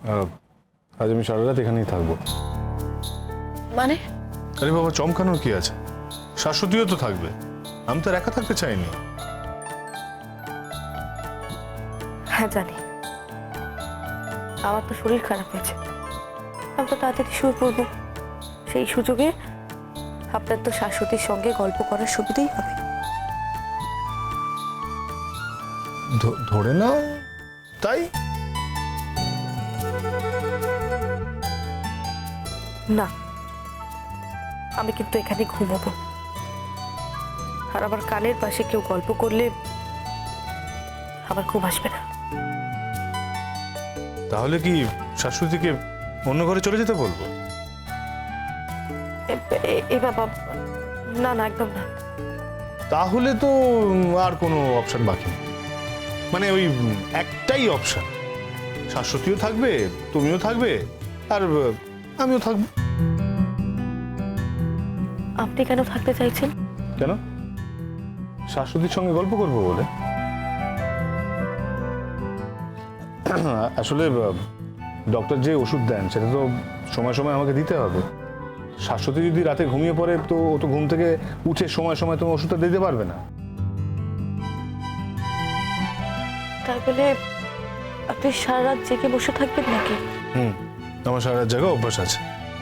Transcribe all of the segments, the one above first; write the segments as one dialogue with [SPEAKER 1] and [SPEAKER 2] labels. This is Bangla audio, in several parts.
[SPEAKER 1] আজ আমি সারা রাত এখানেই থাকবো।
[SPEAKER 2] মানে?
[SPEAKER 1] আরে বাবা, চমকানোর কি আছে? শাশ্বতীও তো থাকবে, আমি তো আর একা থাকতে চাইনি।
[SPEAKER 2] হ্যাঁ জানি, আমার তো শরীর খারাপ হয়েছে, আমি তো তাড়াতাড়ি শুয়ে পড়বো। সেই সুযোগে আপনার তো শাশ্বতীর সঙ্গে গল্প করার সুবিধাই হবে।
[SPEAKER 1] ধরে নাও তাই।
[SPEAKER 2] না, আমি কিন্তু এখানে ঘুমাবো, আর আমার কানের পাশে কেউ গল্প করলে আমার ঘুম আসবে না।
[SPEAKER 1] তাহলে কি শাশ্বতীকে অন্য ঘরে চলে যেতে বলবো?
[SPEAKER 2] এ বাবা, না না, একদম না।
[SPEAKER 1] তাহলে তো আর কোনো অপশন বাকি নেই, মানে ওই একটাই অপশন, শাশ্বতীও থাকবে, তুমিও থাকবে, আর আমিও থাকবো।
[SPEAKER 2] আপনি কেন থাকতে চাইছেন?
[SPEAKER 1] কেন? শাশ্বতীর সঙ্গে গল্প করবো বলে। আসলে ডক্টর যে ওষুধ দেন সেটা তো সময় সময় আমাকে দিতে হবে। শাশ্বতী যদি রাতে ঘুমিয়ে পড়ে তো ও তো ঘুম থেকে উঠে সময় সময় তোমার ওষুধটা দিতে পারবে না।
[SPEAKER 2] তাই বলে আপনি সারা রাত জেগে বসে থাকবেন নাকি?
[SPEAKER 1] আমার সারা রাত জায়গা অভ্যাস আছে।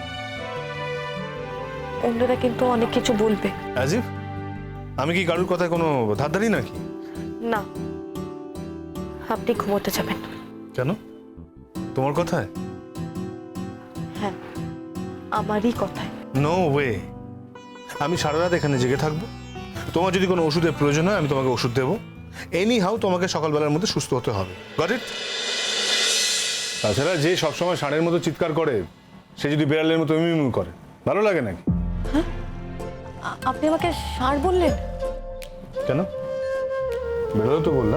[SPEAKER 2] অন্যরা কিন্তু অনেক কিছু বলবে।
[SPEAKER 1] আজিফ, আমি কি কারোর কথায় কোনো ধারধারি নাকি?
[SPEAKER 2] না, আপনি ঘুমোতে যাবেন।
[SPEAKER 1] কেন? তোমার কথায়?
[SPEAKER 2] হ্যাঁ, আমারই কথায়।
[SPEAKER 1] নো ওয়ে, আমি সারা রাত এখানে জেগে থাকবো। তোমার যদি কোনো ওষুধের প্রয়োজন হয় আমি তোমাকে ওষুধ দেবো। এনি হাউ তোমাকে সকালবেলার মধ্যে সুস্থ হতে হবে। Got it? তাছাড়া যে সবসময় ষাঁড়ের মতো চিৎকার করে সে যদি বিড়ালের মতো মিউ করে ভালো লাগে নাকি?
[SPEAKER 2] আপনি আমাকে ষাঁড় বললেন?
[SPEAKER 1] কেন? বেরোলো তো বললাম।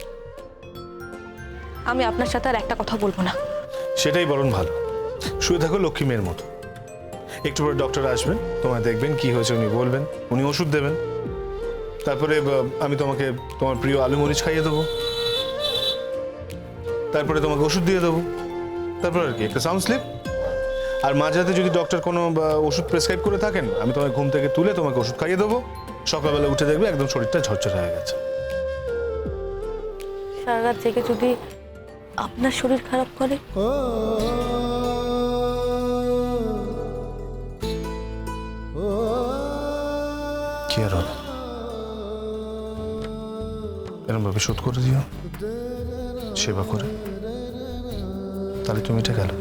[SPEAKER 2] আমি আপনার সাথে আর একটা কথা বলবো না।
[SPEAKER 1] সেটাই বরং ভালো। শুয়ে থাকো লক্ষ্মী মেয়ের মতো। একটু পরে ডক্টর আসবেন, তোমায় দেখবেন, কি হয়েছে উনি বলবেন, উনি ওষুধ দেবেন। তারপরে আমি তোমাকে তোমার প্রিয় আলু মরিচ খাইয়ে দেবো, তারপরে তোমাকে ওষুধ দিয়ে দেবো, তারপর আর কি একটা সাউন্ড স্লিপ। আর মাঝরাতে যদি ডক্টর কোনো ওষুধ প্রেসক্রাইব করে থাকেন আমি তোমাকে ঘুম থেকে তুলে তোমাকে ওষুধ খাইয়ে দেবো। সকালবেলা উঠে দেখবে একদম শরীরটা ঝরঝরে হয়ে গেছে।
[SPEAKER 2] সারা রাত জেগে যদি আপনার শরীর খারাপ করে?
[SPEAKER 1] কি আর হবে, এরকম ভাবে শোধ করে দিও সেবা করে, তাহলে তুমি এটা গেল।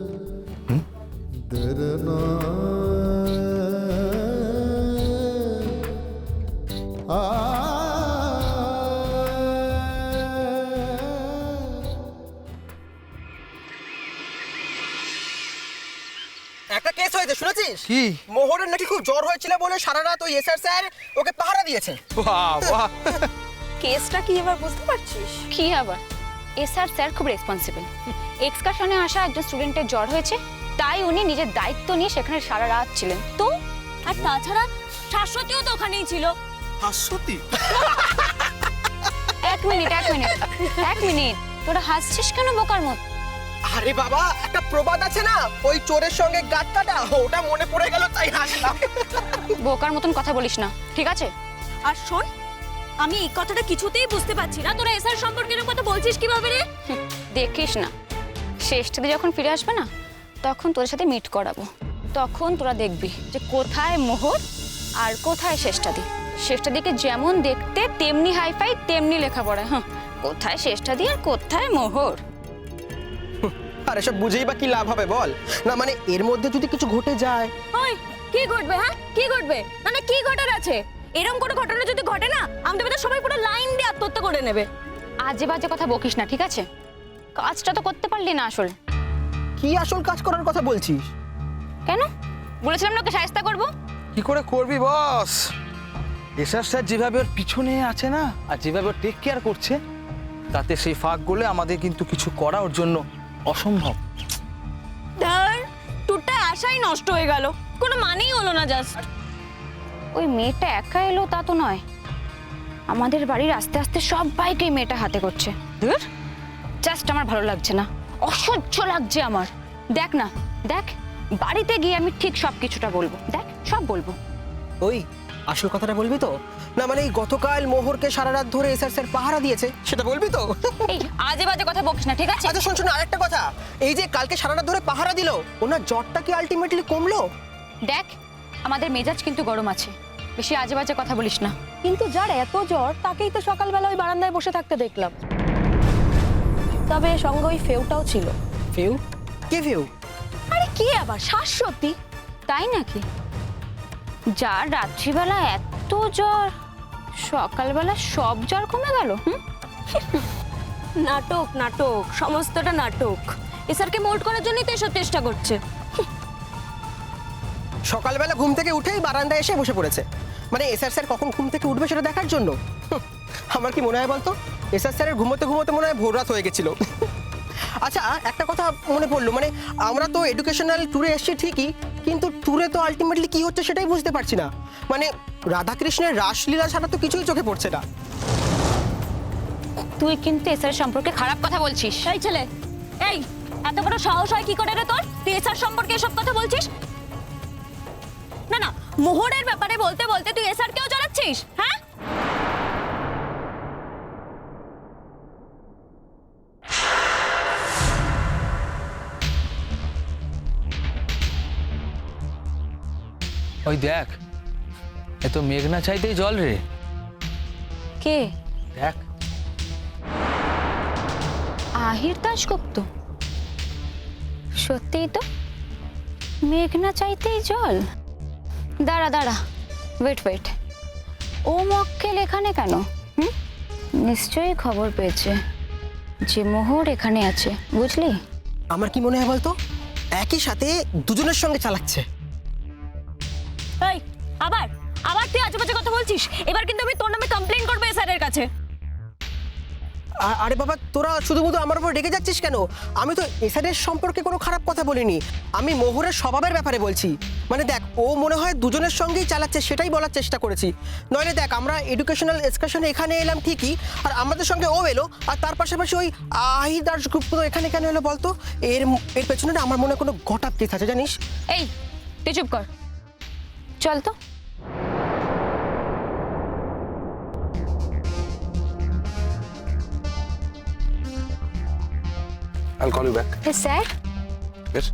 [SPEAKER 3] একটা কেস হয়েছে, শুনেছিস?
[SPEAKER 4] কি?
[SPEAKER 3] মোহরের নাকি খুব জ্বর হয়েছিল বলে সারা রাত ওই এসআর স্যার ওকে পাহারা দিয়েছে।
[SPEAKER 4] বাহ বাহ,
[SPEAKER 5] কেসটা কি এবার বুঝতে পারছিস?
[SPEAKER 6] কি আবার? এসআর স্যার খুব রেসপন্সিবল। এক্সকারশনে আসা একজন স্টুডেন্টের জ্বর হয়েছে, তাই উনি নিজের দায়িত্ব নিয়ে সেখানে সারা রাত ছিলেন।
[SPEAKER 5] তো আর তাছাড়া শাশ্বতীও তো ওখানেই ছিল।
[SPEAKER 4] হাসতি?
[SPEAKER 6] এক মিনিট, তোরা হাসছিস কেন বোকার মত?
[SPEAKER 3] আরে বাবা, একটা প্রবাদ আছে না, ওই চোরের সঙ্গে গাট কাটা, ওটা মনে পড়ে গেল তাই হাসলাম।
[SPEAKER 6] বোকার মতন কথা বলিস না, ঠিক আছে?
[SPEAKER 5] আর শোন, আমি এই কথাটা কিছুতেই বুঝতে পারছি না, তোরা এসআর সম্পর্কে এরকম কথা বলছিস কিভাবে রে?
[SPEAKER 6] দেখিস না, শেষটাতে যখন ফিরে আসবে না তখন তোদের সাথে মিট করাবো। তখন তোরা দেখবি যে কোথায় মোহর আর কোথায় শেষটাদি। শেষটাদিকে যেমন দেখতে তেমনি হাইফাই তেমনি লেখাপড়া। হ্যাঁ, কোথায় শেষটাদি আর কোথায় মোহর।
[SPEAKER 3] আর এসব বুঝেই বা কি লাভ হবে বল? না মানে এর মধ্যে যদি কিছু ঘটে যায়।
[SPEAKER 5] ওই কি ঘটবে? হ্যাঁ, কি ঘটবে? মানে কি ঘটার আছে? এরকম কোনো ঘটনা যদি ঘটে না, আমাদের মধ্যে সবাই পুরো লাইন দিয়ে আত্মহত্যা করে নেবে।
[SPEAKER 6] আজে বাজে কথা বকিস না, ঠিক আছে? কাজটা তো করতে পারলি না আসল।
[SPEAKER 3] কি আসল কাজ করার কথা বলছিস?
[SPEAKER 6] কেন? বলেছিলাম না ওকে শায়েস্তা করবো।
[SPEAKER 4] কি করে করবি বস? এসআর স্যার যেভাবে ওর পিছনে আছে না, আর যেভাবে ওর টেক কেয়ার করছে, তাতে সেই ফাঁক গলে আমাদের কিন্তু কিছু করা ওর জন্য অসম্ভব।
[SPEAKER 5] ধর, টুরটা আশাই নষ্ট হয়ে গেল, কোনো মানেই হলো না। জাস্ট
[SPEAKER 6] ওই মেয়েটা একা এলো তা তো নয়, আমাদের বাড়ির আস্তে আস্তে সবাইকে মেয়েটা হাতে করছে। ধুর, জাস্ট আমার ভালো লাগছে না। অসহ্য লাগছে আমার। দেখ না, দেখ, বাড়িতে গিয়ে আমি ঠিক সব কিছুটা বলবো। দেখ, সব বলবো।
[SPEAKER 3] ওই আসল কথাটা বলবি তো? না মানে এই গতকাল মোহরকে সারা রাত ধরে এসআর স্যার পাহারা দিয়েছে, সেটা বলবি তো?
[SPEAKER 6] এই আজে বাজে কথা বকিস না, ঠিক আছে?
[SPEAKER 3] আচ্ছা শোন আরেকটা কথা, এই যে কালকে সারা রাত ধরে পাহারা দিল, ওনার জ্বরটা কি আলটিমেটলি কমলো?
[SPEAKER 6] দেখ, আমাদের মেজাজ কিন্তু গরম আছে, বেশি আজে বাজে কথা বলিস না।
[SPEAKER 2] কিন্তু যার এত জ্বর তাকেই তো সকালবেলা ওই বারান্দায় বসে থাকতে দেখলাম। তবে সঙ্গে ওই ফেউটাও ছিল।
[SPEAKER 3] ফেউ? কে ফেউ?
[SPEAKER 2] আরে কি আবার শাশ্বতী?
[SPEAKER 6] তাই নাকি? যার রাত্রিবেলা এত জ্বর, সকালবেলা সব জ্বর কমে গেল?
[SPEAKER 5] নাটক নাটক, সমস্তটা নাটক। এসআরকে মোল্ড করার জন্যই তো এসব চেষ্টা করছে।
[SPEAKER 3] সকালবেলা ঘুম থেকে উঠেই বারান্দায় এসে বসে পড়েছে, মানে এসআর স্যার কখন ঘুম থেকে উঠবে সেটা দেখার জন্য। আমার কি মনে হয় বলতো, এসআর স্যারের ঘুমোতে ঘুমোতে মনে হয় ভোর রাত হয়ে গেছিল। আচ্ছা একটা কথা মনে পড়লো, মানে আমরা তো এডুকেশনাল ট্যুরে এসেছি ঠিকই, কিন্তু ট্যুরে তো আলটিমেটলি কি হচ্ছে সেটাই বুঝতে পারছি না। মানে রাধাকৃষ্ণের রাসলীলা ছাড়া তো কিছুই চোখে পড়ছে না।
[SPEAKER 6] তুই কিন্তু এসআর সম্পর্কে খারাপ কথা বলছিস।
[SPEAKER 5] এই ছেলে, এই এত বড় সাহস হয় কি করে রে তোর? তুই এসআর সম্পর্কে এসব কথা বলছিস? না না, মোহরের ব্যাপারে বলতে বলতে তুই এসআর কেও জড়াচ্ছিস, হ্যাঁ?
[SPEAKER 4] ওই দেখ, এ তো মেঘনা চাইতেই জল রে।
[SPEAKER 6] কে?
[SPEAKER 4] দেখ,
[SPEAKER 6] আহির দাশগুপ্ত। সত্যিই তো, মেঘনা চাইতেই জল। দাঁড়া দাঁড়া, ওয়েট ওয়েট, ও মক্কেল এখানে কেন? নিশ্চয়ই খবর পেয়েছে যে মোহর এখানে আছে, বুঝলি?
[SPEAKER 3] আমার কি মনে হয় বলতো, একই সাথে দুজনের সঙ্গে চালাচ্ছে।
[SPEAKER 5] এই আবার আবার তুই আজে বাজে কথা বলছিস। এবার কিন্তু আমি তোর নামে কমপ্লেইন করব এসআরের কাছে।
[SPEAKER 3] আরে বাবা, তোরা শুধু আমার উপর রেগে যাচ্ছিস কেন? আমি তো এসআরের সম্পর্কে কোনো খারাপ কথা বলিনি, আমি মোহরের স্বভাবের ব্যাপারে বলছি। মানে দেখ, ও মনে হয় দুজনের সঙ্গেই চালাচ্ছে, সেটাই বলার চেষ্টা করেছি। নইলে দেখ, আমরা এডুকেশনাল এক্সকারশনে এখানে এলাম ঠিকই, আর আমাদের সঙ্গে ও এলো, আর তার পাশাপাশি ওই আহির দাশগুপ্ত এখানে কেন এলো বলতো? এর পেছনে না আমার মনে হয় কোনো ঘটাপ কেস আছে, জানিস?
[SPEAKER 6] এই তুই চুপ কর, চল তো।
[SPEAKER 1] I'll call you back.
[SPEAKER 6] Sir,
[SPEAKER 1] Yes?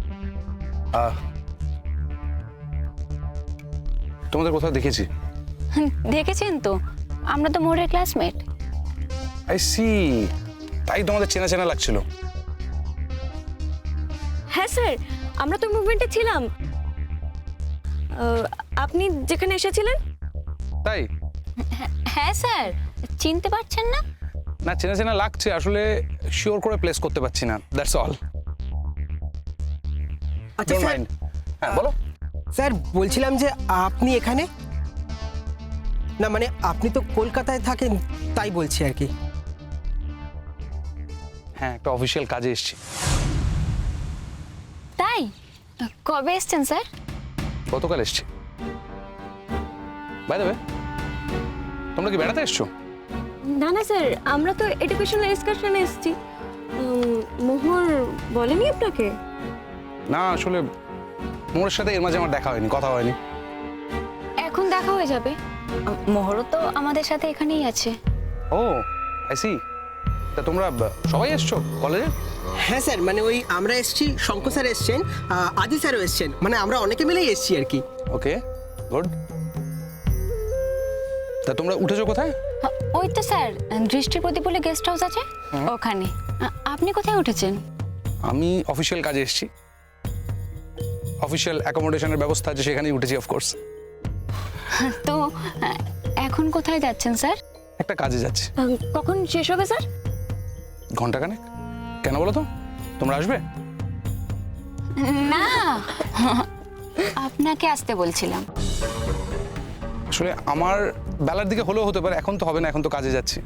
[SPEAKER 1] তোমাদের কোথাও দেখেছি?
[SPEAKER 6] দেখেছেন তো, আমরা তো মোহরের ক্লাসমেট।
[SPEAKER 1] আই সি, তাই তোমাদের চেনা চেনা লাগছিল।
[SPEAKER 5] হ্যাঁ স্যার, আমরা তো মুভমেন্টে ছিলাম। আপনি যেখানে এসেছিলেন।
[SPEAKER 1] তাই
[SPEAKER 6] হ্যাঁ স্যার, চিনতে পারছেন না?
[SPEAKER 1] না, চেনা চেনা লাগছে, আসলে শিওর করে প্লেস করতে পারছি না, দ্যাটস অল।
[SPEAKER 3] আচ্ছা
[SPEAKER 1] ডোন্ট
[SPEAKER 3] স্যার,
[SPEAKER 1] মাইন্ড। হ্যাঁ বলো।
[SPEAKER 3] স্যার বলছিলাম যে আপনি এখানে না, মানে আপনি তো কলকাতায় থাকেন, তাই বলছি আর কি।
[SPEAKER 1] হ্যাঁ, একটা অফিসিয়াল কাজে এসেছি।
[SPEAKER 6] তাই? কবে এসছেন স্যার?
[SPEAKER 1] গতকাল এসেছি। বাই দ্য ওয়ে, তোমরা কি বেড়াতে এসছো?
[SPEAKER 5] না না স্যার, আমরা তো এডুকেশনাল এক্সকারশনে এসেছি। মোহর বলেনি আপনাকে?
[SPEAKER 1] না, আসলে মোহরের সাথে এর মাঝে আমার দেখা হয়নি, কথা হয়নি।
[SPEAKER 6] এখন দেখা হয়ে যাবে, মোহরও তো আমাদের সাথে এখানেই আছে।
[SPEAKER 1] Oh I see. তা তোমরা সবাই এসছো কলেজে?
[SPEAKER 3] হ্যাঁ স্যার, মানে ওই আমরা এসেছি, শঙ্কর স্যার এসছেন, আদি স্যারও এসছেন, মানে আমরা অনেকে মিলেই এসেছি আর কি।
[SPEAKER 1] Okay, good. তা তোমরা উঠেছো কোথায়?
[SPEAKER 6] ওই তো স্যার, দৃষ্টি প্রদীপ বলে গেস্ট হাউস আছে ওখানে। আপনি কোথায় উঠেছেন?
[SPEAKER 1] আমি অফিসিয়াল কাজে এসেছি, অফিসিয়াল অ্যাকোমোডেশনের ব্যবস্থা আছে, সেখানেই উঠেছি অফকোর্স।
[SPEAKER 6] তো এখন কোথায় যাচ্ছেন স্যার?
[SPEAKER 1] একটা কাজে যাচ্ছি।
[SPEAKER 5] কখন শেষ হবে স্যার?
[SPEAKER 1] ঘন্টাখানেক। কেন বলো তো, তোমরা আসবে?
[SPEAKER 6] না, আপনাকে আসতে বলছিলাম।
[SPEAKER 1] আসলে আমার বেলার দিকে হলেও হতে পারে, এখন তো হবে না, এখন তো কাজে যাচ্ছি।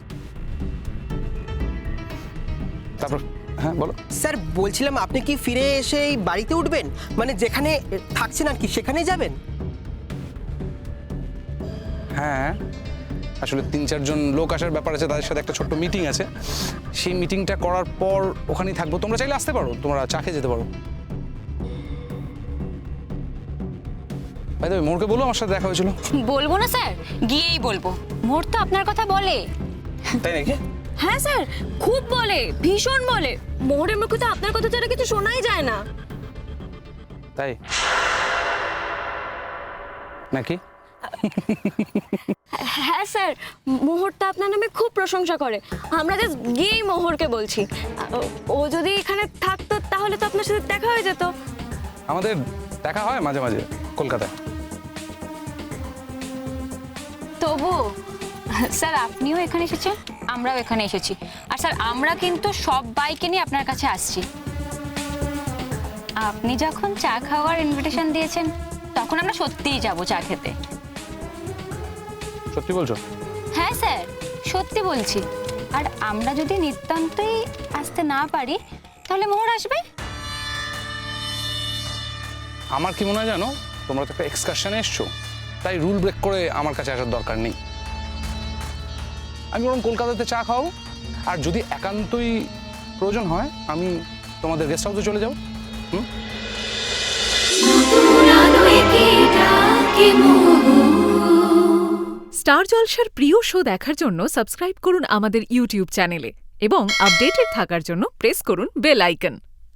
[SPEAKER 1] তারপর হ্যাঁ বলো।
[SPEAKER 3] স্যার বলছিলাম, আপনি কি ফিরে এসে এই বাড়িতে উঠবেন, মানে যেখানে থাকছেন আর কি সেখানেই যাবেন?
[SPEAKER 1] হ্যাঁ,
[SPEAKER 7] আসলে 3-4 জন লোক আসার ব্যাপার আছে, তাদের সাথে একটা ছোট্ট মিটিং আছে। সেই মিটিংটা করার পর ওখানেই থাকবো। তোমরা চাইলে আসতে পারো, তোমরা চা খেয়ে যেতে পারো। ভাই দেবে মোরকে বলো আমার সাথে দেখা হয়েছিল।
[SPEAKER 6] বলবো না স্যার, গিয়েই বলবো। মোর তো আপনার কথা বলে।
[SPEAKER 7] তাই নাকি?
[SPEAKER 5] হ্যাঁ স্যার, খুব বলে, ভীষণ বলে। মোহরের মুখে তো আপনার কথা ছাড়া কিছু শোনাই যায় না।
[SPEAKER 7] তাই নাকি?
[SPEAKER 5] হ্যাঁ স্যার, মোহরটা আপনার নামে খুব প্রশংসা করে। আমরা জাস্ট গিয়েই মোহরকে বলছি। ও যদি এখানে থাকতো তাহলে তো আপনার সাথে দেখা হয়ে যেত।
[SPEAKER 7] আমাদের দেখা হয় মাঝে মাঝে কলকাতায়।
[SPEAKER 6] তবু স্যার আপনিও এখানে এসেছেন, আমরাও এখানে এসেছি। আর স্যার আমরা কিন্তু সব বাইকে নিয়ে আপনার কাছে আসছি। আপনি যখন চা খাওয়ার ইনভিটেশন দিয়েছেন তখন আমরা সত্যিই যাব চা খেতে।
[SPEAKER 7] সত্যি বলছো?
[SPEAKER 6] হ্যাঁ স্যার, সত্যি বলছি। আর আমরা যদি নিতান্তই আসতে না পারি তাহলে মোহর আসবে।
[SPEAKER 7] আমার কি মনে হয় জানো, তোমরা তো একটা এক্সকারশনে এসছো, তাই রুল ব্রেক করে আমার কাছে আসার দরকার নেই। আমি বরং কলকাতাতে চা খাও, আর যদি একান্তই প্রয়োজন হয় আমি তোমাদের গেস্ট হাউসে চলে যাও।
[SPEAKER 8] স্টার জলসার প্রিয় শো দেখার জন্য সাবস্ক্রাইব করুন আমাদের ইউটিউব চ্যানেলে এবং আপডেটেড থাকার জন্য প্রেস করুন বেল আইকন।